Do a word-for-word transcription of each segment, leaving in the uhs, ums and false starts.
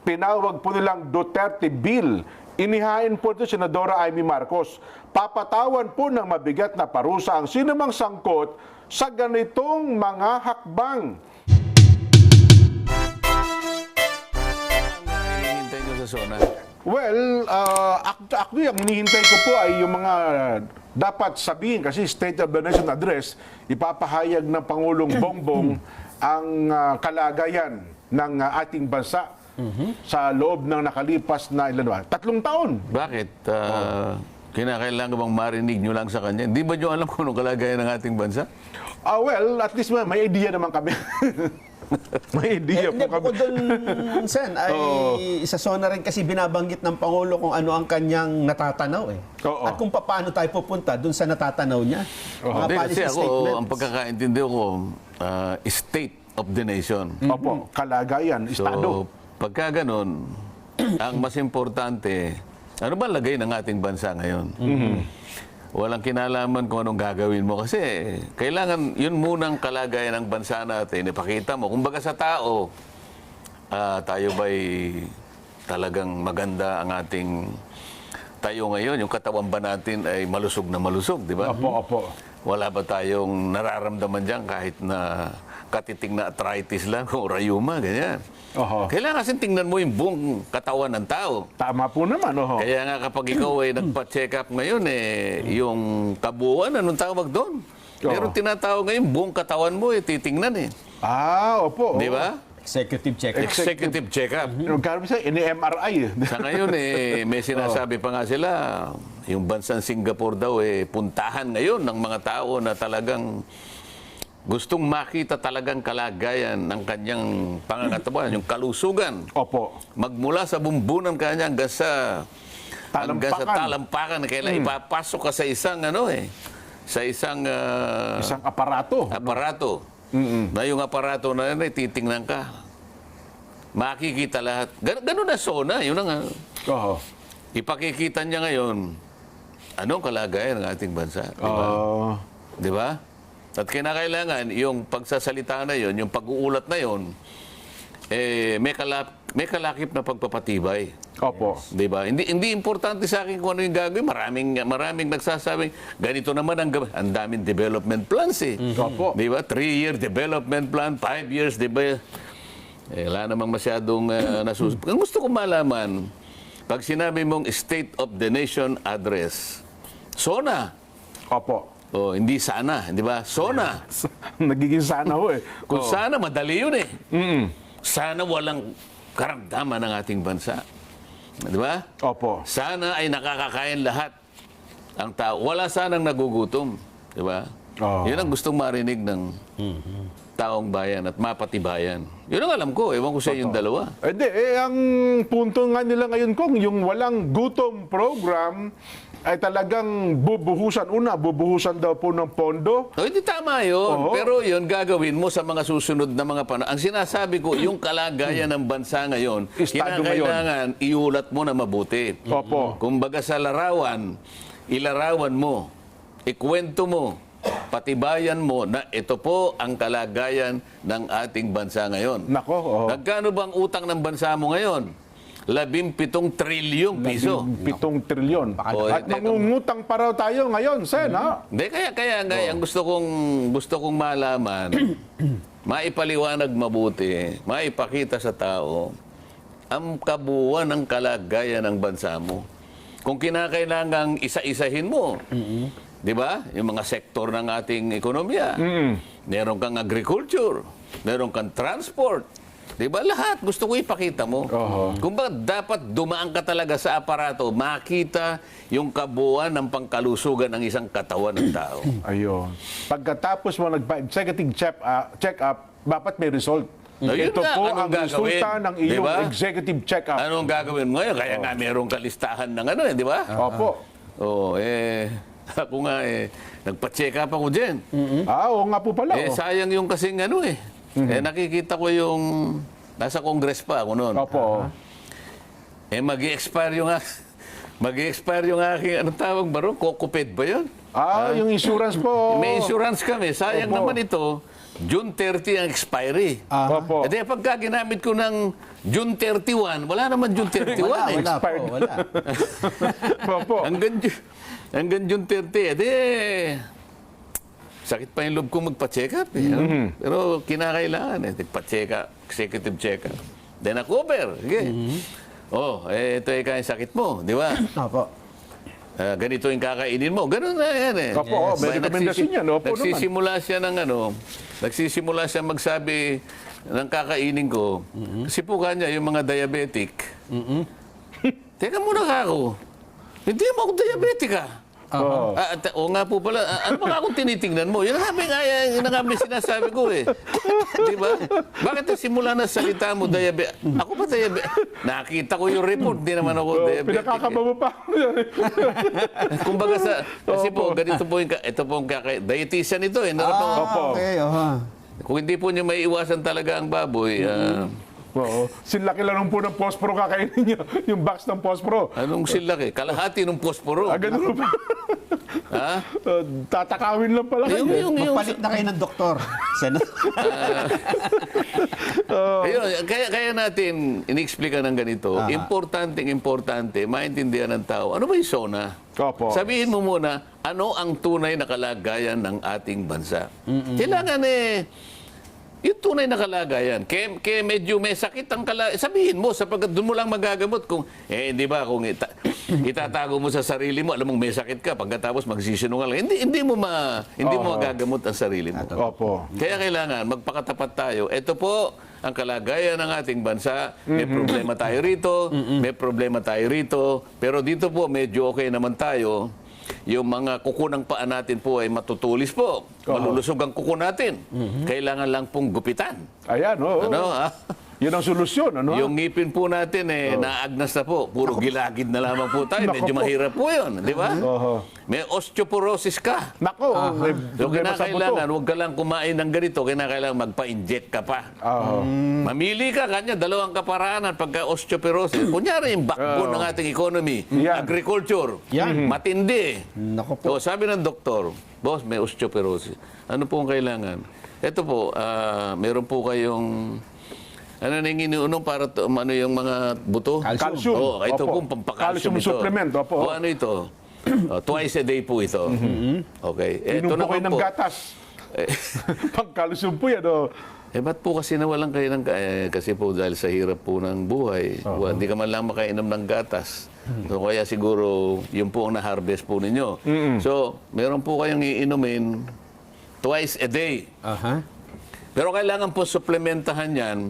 tinawag po nilang Duterte Bill. Inihain po ito Senadora Amy Marcos. Papatawan po ng mabigat na parusa ang sinumang sangkot sa ganitong mga hakbang. Hinihintay ko sa zona. Well, uh, act- actually, ang hinihintay ko po ay yung mga dapat sabihin kasi State of the Nation Address, ipapahayag ng Pangulong Bongbong ang uh, kalagayan ng uh, ating bansa sa loob ng nakalipas na ilan ba? Tatlong taon. Bakit? Uh, Kinakailangan bang marinig nyo lang sa kanya? Hindi ba nyo alam kung anong kalagayan ng ating bansa? Ah, well, at least may, may idea naman kami. May idea Eh, hindi, po kami. bukod doon, Sen, ay isa zona rin kasi binabanggit ng Pangulo kung ano ang kanyang natatanaw eh. Oo. At kung paano tayo pupunta doon sa natatanaw niya. Mga Hindi, policy kasi ako, statements. ang pagkakaintindi ko, uh, state of the nation. Opo, kalagayan, estado. So, pagka ganun, ang mas importante, ano ba lagay ng ating bansa ngayon? Walang kinalaman kung anong gagawin mo kasi kailangan yun munang kalagayan ng bansa natin. Ipakita mo. Kumbaga sa tao, ah, tayo ba'y talagang maganda ang ating tayo ngayon? Yung katawan ba natin ay malusog na malusog, di ba? Opo, opo. Wala ba tayong nararamdaman dyan kahit na katiting na arthritis lang o rayuma, ganyan. Oho. Kailangan kasi tingnan mo yung buong katawan ng tao. Tama po naman, oho. Kaya nga kapag ikaw ay nagpa-check up ngayon, eh, yung kabuuan, anong tawag doon? Oo. Meron tinatawag ngayon, buong katawan mo, eh, titingnan eh. Ah, opo. Di ba? Executive check. Executive check-up. Yung karami sa ini-M R I. Sa ngayon, eh, may sinasabi pa nga sila, yung bansang Singapore daw, eh, puntahan ngayon ng mga tao na talagang gustong makita talagang kalagayan ng kanyang pangangatawan, yung kalusugan. Opo. Magmula sa bumbunan kanya hanggang sa hanggang sa Talampakan. talampakan, kailan ipapasok ka sa isang ano eh, sa isang ah, Isang aparato. aparato. Na yung aparato na yun, eh, titingnan ka. Makikita lahat. Gan ganun na zona, yun ang ah, Oho. ipakikita niya ngayon anong kalagayan ng ating bansa. Di ba? Ah, Di ba? At kinakailangan, yung pagsasalita na yon, yung pag-uulat na yon, eh, may, kalap, may kalakip na pagpapatibay. opo. Di ba? Hindi, hindi importante sa akin kung ano yung gagawin. Maraming, maraming nagsasabing, ganito naman ang gawin. Ang daming development plans eh. Opo. Di ba? Three-year development plan, five years, di ba? Eh, wala namang masyadong uh, nasus... Ang gusto ko malaman, pag sinabi mong State of the Nation Address, SONA. Opo. Oh, hindi sana, di ba? SONA. Nagiging sana ho eh. Kung Oo. sana, madali yun eh. Mm. Sana walang karamdaman ng ating bansa. Di ba? Opo. Sana ay nakakakain lahat ang tao. Wala sanang nagugutom. Di ba? Oo. Yun ang gustong marinig ng taong bayan at mapatibayan. Yun ang alam ko. Ewan ko sa yung dalawa. Eh, di, eh, ang punto nga nila ngayon kung yung walang gutom program ay talagang bubuhusan. Una, bubuhusan daw po ng pondo. So, hindi tama yun. Oo. Pero yun, gagawin mo sa mga susunod na mga panahon. Ang sinasabi ko, yung kalagayan ng bansa ngayon, Estado kinakailangan iulat mo na mabuti. Opo. Kumbaga sa larawan, ilarawan mo, ikwento mo, patibayan mo na ito po ang kalagayan ng ating bansa ngayon. Nako, oo. Nagkano bang utang ng bansa mo ngayon? Labing pitong trilyong piso. Pitong trilyon. Oh, At hindi, mangungutang pa raw tayo ngayon, Sen, ha? Hindi, kaya, kaya, kaya ang gusto kong, gusto kong malaman, maipaliwanag mabuti, maipakita sa tao, ang kabuuan ng kalagayan ng bansa mo. Kung kinakailangang isa-isahin mo, di ba? Yung mga sektor ng ating ekonomiya. Meron kang agriculture, meron kang transport, di ba? Lahat gusto ko ipakita mo. Oho. Kung ba dapat dumaan ka talaga sa aparato, makita yung kabuuan ng pangkalusugan ng isang katawan ng tao. Ayun. Pagkatapos mo nag-executive check, uh, check-up, dapat may result. Ayun Ito nga, po anong ang gagawin? resulta ng iyong Diba? executive check-up. Anong gagawin mo ngayon? Kaya nga merong kalistahan ng ano eh, di ba? Opo. Oo, eh, ako nga eh, nagpa-check up ako dyan. Ah, oo nga po pala. Eh, oh. sayang yung kasing ano eh. Eh, nakikita ko yung, nasa Congress pa ako noon. Opo. Eh, mag-i-expire yung, mag-i-expire yung aking, anong tawag ba ron? Kokoped ba yun? Ah, yung insurance po. May insurance kami. Sayang Opo. naman ito. June thirty ang expiry. Ah. Opo. E di, pagka ginamit ko ng June thirty-one, wala naman June thirty-one Wala, eh. wala po, wala. Opo. Hanggang, Ju- hanggang June thirty, eh di, sakit pa yung loob ko magpa-check up eh. ano? Mm-hmm. Pero kinakailangan eh, nagpa-check up, executive check up. Then na-cover. Sige. Mm-hmm. Oh, eh, ito eh kaya sakit mo, di ba? Opo. Ah, ganito yung kakainin mo. Ganun na yan eh. Opo, oh, may Ba, rekomendasyon nagsisi- yan. Opo naman. Nagsisimula siya ng ano, nagsisimula siya magsabi ng kakainin ko. Kasi po kanya, yung mga diabetic. Teka muna ka ako. Hindi mo ako diabetic ah. Oo. Ah, at- o nga po pala, ah, ano ba akong tinitingnan mo? Yun ang nga, nga- yun ang nga may sinasabi ko eh. Di ba? Bakit simula na salita mo, diabetic? Ako ba diabetic? Nakita ko yung report, di naman ako Oh, diabetic. pinakakaba mo pa. Kumbaga sa, kasi po, Opo. ganito po yung, ka- ito po yung kaka, dietitian ito eh. Narap- Ah, Opo. okay. Oha. Kung hindi po niyo may iwasan talaga ang baboy, ah, Oo. Sinlaki lang po ng posporo kakainin niyo. Yung box ng posporo. anong silaki? Kalahati ng posporo. Ah, ganun pa. Ha? Uh, tatakawin lang pala Yung, kayo. yung, yung, Magpalit na kayo ng doktor. Sen- Ayun, kaya, kaya natin inexplika ng ganito. Ah. Importante, importante, maintindihan ng tao. Ano ba yung SONA? Opo. Sabihin mo muna, ano ang tunay na kalagayan ng ating bansa? Kailangan eh, yung tunay na kalagayan. Kaya, kaya medyo may sakit ang kalagayan. Sabihin mo, sapagkat doon mo lang magagamot. Kung, eh, di ba, kung ita, itatago mo sa sarili mo, alam mong may sakit ka, pagkatapos magsisinungaling, hindi, hindi mo ma, hindi mo Oo. magagamot ang sarili mo. Opo. Kaya kailangan magpakatapat tayo. Ito po ang kalagayan ng ating bansa. May problema tayo rito, may problema tayo rito. Pero dito po medyo okay naman tayo. Yung mga kuko ng paa natin po ay matutulis po. Malulusog ang kuko natin. Kailangan lang pong gupitan. Ayan, oo. Ano? ah? Yun ang solusyon, ano? Yung ngipin po natin eh, naagnas na po. Puro gilagid na lamang po tayo. Nako Medyo po. mahirap po yun. Di ba? Oho. May osteoporosis ka. Nako, may So, problema sa buto. kinakailangan, huwag ka lang kumain ng ganito, kinakailangan magpa-inject ka pa. Oo. Mamili ka, kanya, dalawang kaparaanan pagka osteoporosis. Kunyari, yung backbone ng ating economy, Yan. agriculture, Yan. matindi. Nako po. So, sabi ng doktor, boss, may osteoporosis. Ano po ang kailangan? Ito po, ah, meron po kayong, ano na yung iniunom para to, ano yung mga buto? Calcium. Calcium. Oh, ito Opo. po, pampakalcium Calcium ito. supplement, opo. O ano ito? Oh, twice a day po ito. Okay. Inom po kayo naman ng gatas. Eh, Pagkalusyon po yan, oh. Eh, ba't po kasi nawalan kayo ng... Eh, kasi po dahil sa hirap po ng buhay, wa- hindi ka man lang makainom ng gatas. So, kaya siguro, yun po ang na-harvest po ninyo. So, meron po kayong iinumin twice a day. Aha. Pero kailangan po suplementahan yan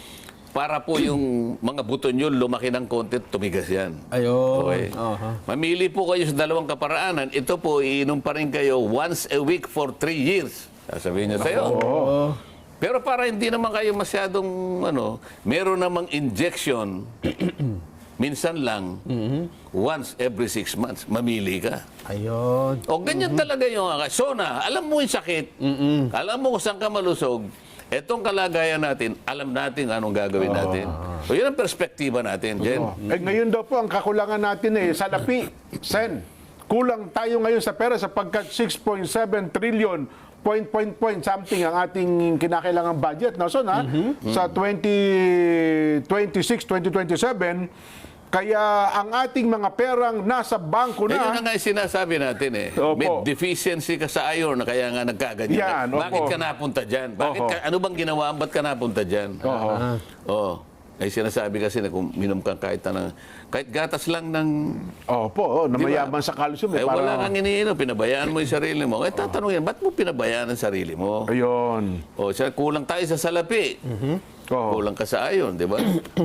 para po yung mga buto nyo lumaki ng konti, tumigas yan. Ayun. Okay. Aha. Mamili po kayo sa dalawang kaparaanan. Ito po, iinom pa rin kayo once a week for three years. Sasabihin nyo sa'yo. Oo. Pero para hindi naman kayo masyadong, ano, meron namang injection, minsan lang, once every six months, mamili ka. Ayun. O ganyan talaga yung SONA. Alam mo yung sakit, alam mo kung saan ka malusog, etong kalagayan natin, alam natin anong gagawin natin. So yun ang perspektiba natin, Jen. Eh, ngayon daw po, ang kakulangan natin eh, salapi, Sen. Kulang tayo ngayon sa pera sapagkat six point seven trillion point, point, point something ang ating kinakailangan budget. No? So, na, sa twenty twenty-six, twenty twenty-seven, kaya ang ating mga perang nasa bangko Eh, yun na. na nga yung sinasabi natin eh. Opo. May deficiency ka sa iron na kaya nga nagkaganyan. Yan, opo. Bakit ka napunta dyan? Bakit Oho. ka, ano bang ginawa? Ba't ka napunta dyan? Oo. Oo. Ay sinasabi kasi na kung minom ka kahit, na, kahit gatas lang ng... Opo, oh, na Di ba? mayaman sa calcium. Eh, Eh, wala para, kang iniinom, pinabayaan mo yung sarili mo. Eh, tatanungin, ba't mo pinabayaan ang sarili mo? ayun. O, siya, kulang tayo sa salapi. Oo. Kulang ka sa ayon, di ba?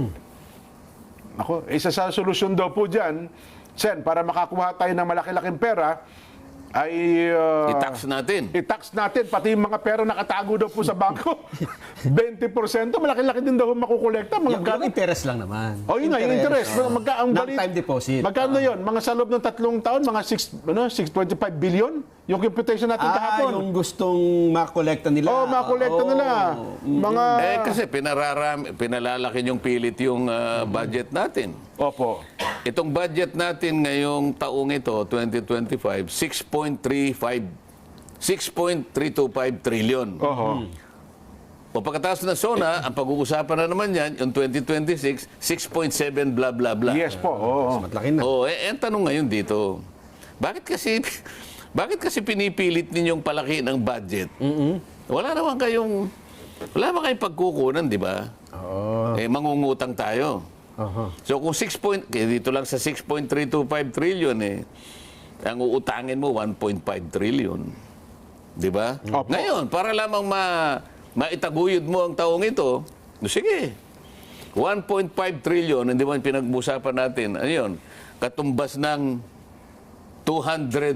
Ako, isa sa solusyon daw po dyan, Sen, para makakuha tayo ng malaki-laking pera, ay... uh, I-tax natin. I-tax natin, pati yung mga pera nakatago daw po sa bangko. twenty percent, malaki-laki din daw makukolekta. Mga Yung, yung interest lang naman. O yun nga, yung interest. oo. Magka, ang balit- Non-time deposit. Magkano yun? Mga sa loob ng tatlong taon, mga six, ano, six point five billion? Yung computation natin Ah, kahapon. yung gustong makolekta nila. Oo, makolekta Oo. nila. Mga... Eh, kasi pinararam, pinalalaki yung pilit yung ah, budget natin. Opo. Itong budget natin ngayong taong ito, twenty twenty-five, six point three five, six point three two five trillion. Oho. O pagkatapos ng SONA, ang pag-uusapan na naman yan, yung twenty twenty-six, six point seven blah blah blah. Yes po. Oo. Matlaki na. Oh, eh, eh, ang tanong ngayon dito, bakit kasi bakit kasi pinipilit ninyong palaki ng budget? Wala naman kayong wala naman kayong pagkukunan, di ba? Oo. Eh mangungutang tayo. Aha. So kung six point eh, dito lang sa six point three two five trillion eh ang uutangin mo one point five trillion. Di ba? Opo. Ngayon, para lamang ma maitaguyod mo ang taong ito, no, sige. one point five trillion, hindi man pinag-usapan natin. Ano yun? Katumbas ng two hundred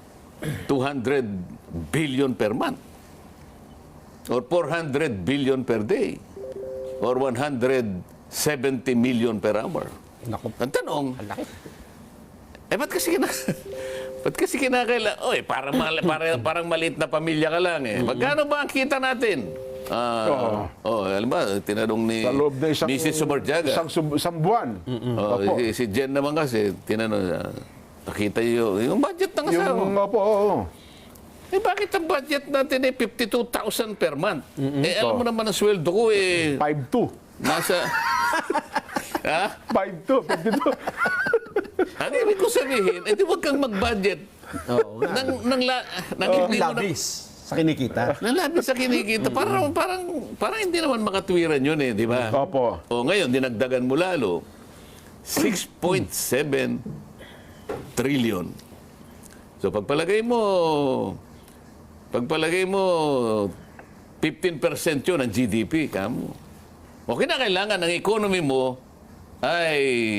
billion per month. Or four hundred billion per day. Or one hundred seventy million per hour. Naku. Ang tanong, Ang laki. eh ba't kasi kina... ba't kasi kinakaila... Oy, parang, mal, parang, parang maliit na pamilya ka lang eh. Magkano ba ang kita natin? Ah, oh, alam ba, tinanong ni Sa loob na isang, Missus Subarjaga. isang, sub- isang buwan. Oh, Opo. si, si Jen naman kasi, tinanong niya, nakita niyo, yung budget ng asawa. Yung, opo, oo. Eh, bakit ang budget natin eh fifty-two thousand per month? Eh, alam mo naman ang sweldo ko eh, five two. nasa... ha? five two, fifty-two. Ano ibig ko sabihin? Eh, di wag kang mag-budget. Oo nga. Nang, nang, la, nang Yung hindi mo na... labis sa kinikita. Nang labis sa kinikita. Parang, parang, parang hindi naman makatwiran yun eh, di ba? Opo. O ngayon, dinagdagan mo lalo. six point seven trillion. So pagpalagay mo, pagpalagay mo, fifteen percent yun ang G D P, kamo. O kinakailangan ng economy mo ay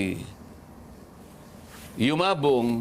yumabong,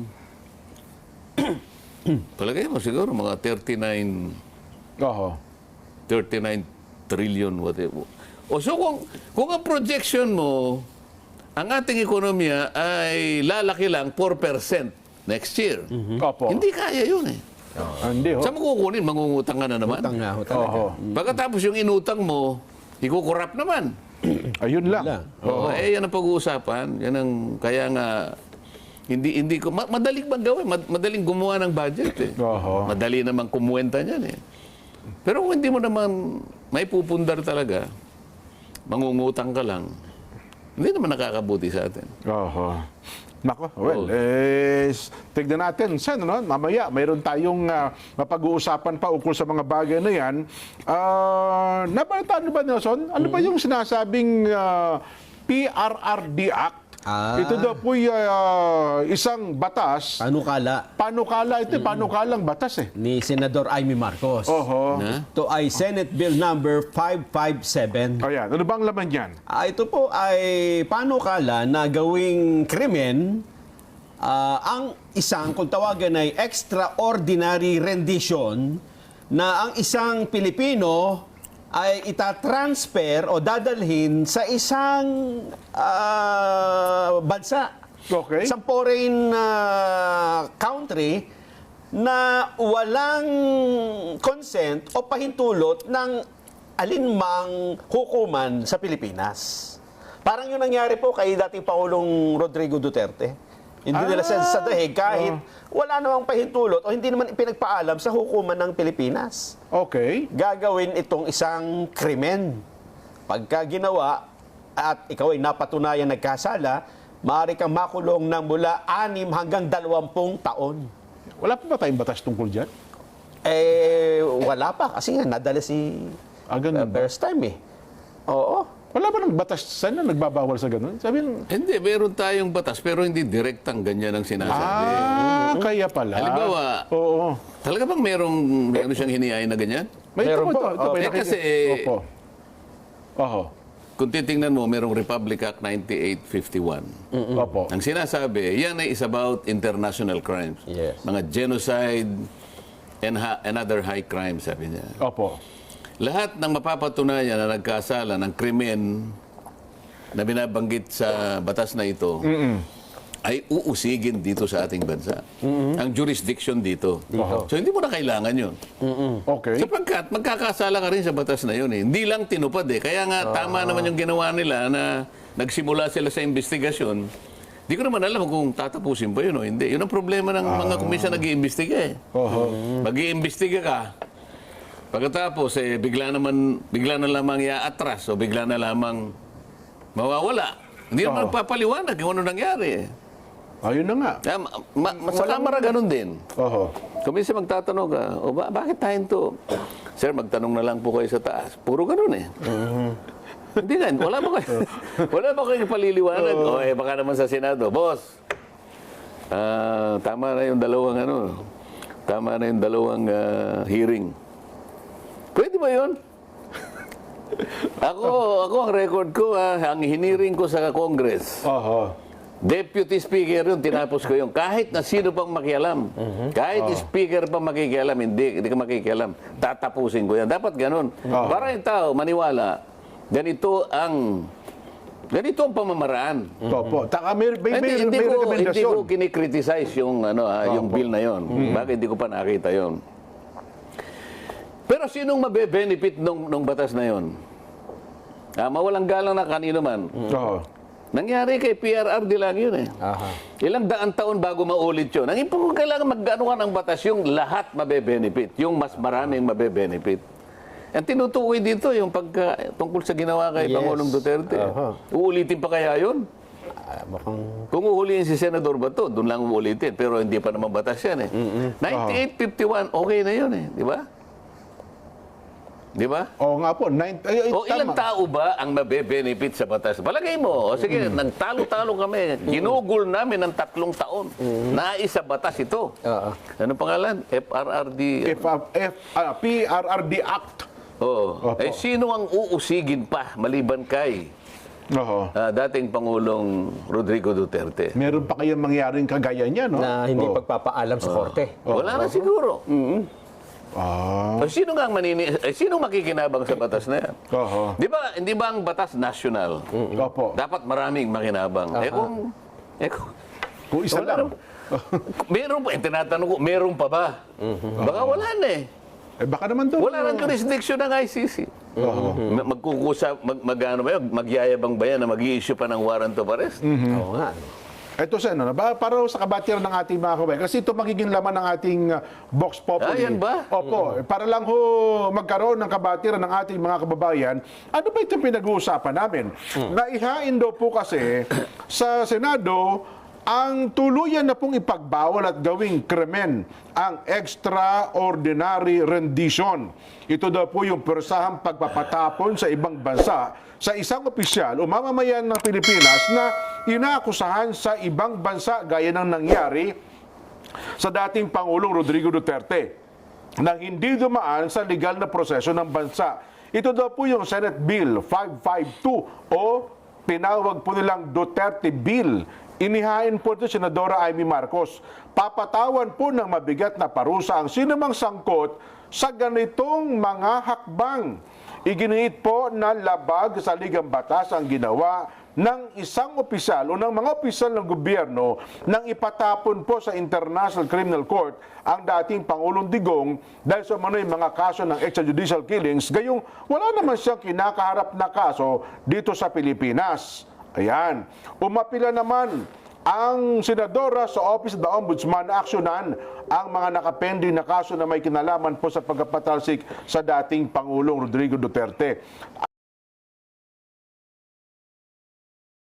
palagay mo siguro mga thirty-nine Oho. thirty-nine trillion whatever. O so kung, kung ang projection mo, ang ating ekonomiya ay lalaki lang four percent next year. Opo. Hindi kaya yun eh. Ah, Hindi ho. Saan mo kukunin? Mangungutang ka na naman. Utang nga ho talaga. Oho. Pagkatapos yung inutang mo, ikukurap naman. Ayun lang. Wala. Oo. Eh, yan ang pag-uusapan. Yan ang, kaya nga, hindi, hindi ko, ma- madaling bang gawin? Mad- madaling gumawa ng budget eh. Oho. Madali namang kumuwenta niyan eh. Pero kung hindi mo naman may pupundar talaga, mangungutang ka lang, hindi naman nakakabuti sa atin. Oho. Nako, well, Oo. eh, s- tignan natin. Sen, ano, mamaya, mayroon tayong ah, mapag-uusapan pa ukol sa mga bagay na yan. Ah, nabalitaan ba, Nelson? Ano ba yung sinasabing ah, P R R D Act? Ah. Ito daw po isang batas. Panukala Panukala, ito, panukalang batas eh. ni Senador Amy Marcos. Oho. Na? Ito ay Senate Bill number five five seven. Ayan, ano bang laman yan? Ah, ito po ay panukala na gawing krimen ah, ang isang, kung tawagan ay extraordinary rendition na ang isang Pilipino ay itatransfer o dadalhin sa isang ah, bansa. Okay. Isang foreign ah, country na walang consent o pahintulot ng alinmang hukuman sa Pilipinas. Parang yung nangyari po kay dating Pangulong Rodrigo Duterte. Hindi nila sa, sa dahig kahit wala namang pahintulot o hindi naman ipinagpaalam sa hukuman ng Pilipinas. Okay. Gagawin itong isang krimen. Pagka ginawa at ikaw ay napatunayan nagkasala, maaari kang makulong ng mula anim hanggang dalawampung taon. Wala pa ba tayong batas tungkol dyan? Eh, wala pa. Kasi nga, nadala si Ah, ganun uh, ba? first time eh. Oo. Wala ba ng batas? Saan na nagbabawal sa ganun? Sabi ng, Hindi, meron tayong batas, pero hindi direktang ganyan ang sinasabi. ah, kaya pala. Halimbawa, Oo. Talaga bang merong, meron siyang hinihain na ganyan? May Meron ito, po. ito, ito, Oh, may eh, nakik- kasi- Opo. Oho. Kung titingnan mo, merong Republic Act ninety-eight fifty-one. Opo. Ang sinasabi, yan ay is about international crimes. Yes. Mga genocide and, ha- and other high crimes, sabi niya. Opo. Lahat ng mapapatunayan na nagkasala ng krimen na binabanggit sa batas na ito ay uusigin dito sa ating bansa. Ang jurisdiction dito. So hindi mo na kailangan yun. Okay. Sapagkat magkakasala ka rin sa batas na yun eh. Hindi lang tinupad eh. Kaya nga tama naman yung ginawa nila na nagsimula sila sa investigasyon. Hindi ko naman alam kung tatapusin ba yun o hindi. Yun ang problema ng mga komisyon nag-iimbestiga eh. Oho. Mag-iimbestiga ka. Pagkatapos, eh, bigla naman, bigla na lamang iaatras o bigla na lamang mawawala. Hindi naman Oo. papaliwanag kung ano nangyari. Ayun na nga. Ah, ma, ma, sa kamera ganun din. Oho. Kung minsan magtatanong ka, o ba, bakit tayo to? Sir, magtanong na lang po kayo sa taas. Puro ganun eh. Hindi nga, wala ba kayo? Wala ba kayo paliliwanag? O eh, baka naman sa Senado, boss, ah, tama na yung dalawang ano, tama na yung dalawang ah, hearing. Pwede ba yun? ako, ako ang record ko, ah, ang hiniring ko sa Congress. Oho. Deputy Speaker yun, tinapos ko yun. Kahit na sino pang makialam. Kahit Speaker pang makikialam, hindi, hindi ka makikialam. Tatapusin ko yan. Dapat ganun. Para yung tao maniwala, ganito ang ganito ang pamamaraan. Opo. Taka, may, may, may, Hindi, hindi, may ko, hindi rekomendasyon. ko kinikriticize yung, ano, ah, yung bill na yon. Bakit hindi ko pa nakita yon? Pero sinong mabe-benefit nung, nung batas na yon? Ah, mawalang galang na kanino man. Oho. Nangyari kay P R R D lang yun eh. Aha. Ilang daan taon bago maulit yun. Ang ipong kailangan mag-anuhan ng batas yung lahat mabe-benefit. Yung mas maraming mabe-benefit. Ang tinutukoy dito yung pagka, tungkol sa ginawa kay Yes. Pangulong Duterte. Aha. Uulitin pa kaya yun? Ah, mukhang... Kung uhulihin si Senador Bato, doon lang uulitin. Pero hindi pa naman batas yan eh. ninety-eight fifty-one, okay na yun eh. Di ba? Di ba? Oo nga po. Nine, ay, ay, O ilang tama. tao ba ang mabe-benefit sa batas? Palagay mo, o sige, nagtalo-talo kami. Ginugol namin ng tatlong taon. Nais sa batas ito. Oo. Ano pangalan? F R R D. F, F, ah, P R R D Act. Oo. Opo. Eh, sino ang uusigin pa maliban kay Oho. ah, dating Pangulong Rodrigo Duterte? Meron pa kayong mangyaring kagaya niya, no? Na hindi Oo. pagpapaalam sa korte. Wala na siguro. Ah. O sino nga ang manini... Eh, sino makikinabang sa batas na yan? Oho. Di ba, hindi ba ang batas national? Opo. Dapat maraming makinabang. Eh kung... Eh kung... Kung isa Wala lang. naman. Meron pa, eh, tinatanong ko, meron pa ba? Baka wala na eh. Eh, baka naman doon. Wala nang jurisdiction ng I C C. Ma- Magkukusa, mag, mag, ano ba yun, magyayabang ba yan na mag-i-issue pa ng warrant of arrest? Oo nga. Ito sa ano, ba, para sa kabatiran ng ating mga kabayan. Kasi ito magiging laman ng ating uh, Vox Populi. Ah, yan ba? Opo. Para lang ho magkaroon ng kabatiran ng ating mga kababayan, ano ba itong pinag-uusapan namin? Naihain daw po kasi sa Senado ang tuluyan na pong ipagbawal at gawing krimen ang extraordinary rendition. Ito daw po yung persahang pagpapatapon sa ibang bansa sa isang opisyal o mamamayan ng Pilipinas na inaakusahan sa ibang bansa gaya ng nangyari sa dating Pangulong Rodrigo Duterte na hindi dumaan sa legal na proseso ng bansa. Ito daw po yung Senate Bill five fifty-two o pinawag po nilang Duterte Bill. Inihain po ito Senadora Amy Marcos. Papatawan po ng mabigat na parusa ang sinumang sangkot sa ganitong mga hakbang. Iginiit po na labag sa ligang batas ang ginawa ng isang opisyal o ng mga opisyal ng gobyerno nang ipatapon po sa International Criminal Court ang dating Pangulong Digong dahil sa manoy mga kaso ng extrajudicial killings, gayong wala naman siyang kinakaharap na kaso dito sa Pilipinas. Ayan. Umapila naman ang senadora sa Office of the Ombudsman na aksyonan ang mga nakapending na kaso na may kinalaman po sa pagkapatalsik sa dating Pangulong Rodrigo Duterte.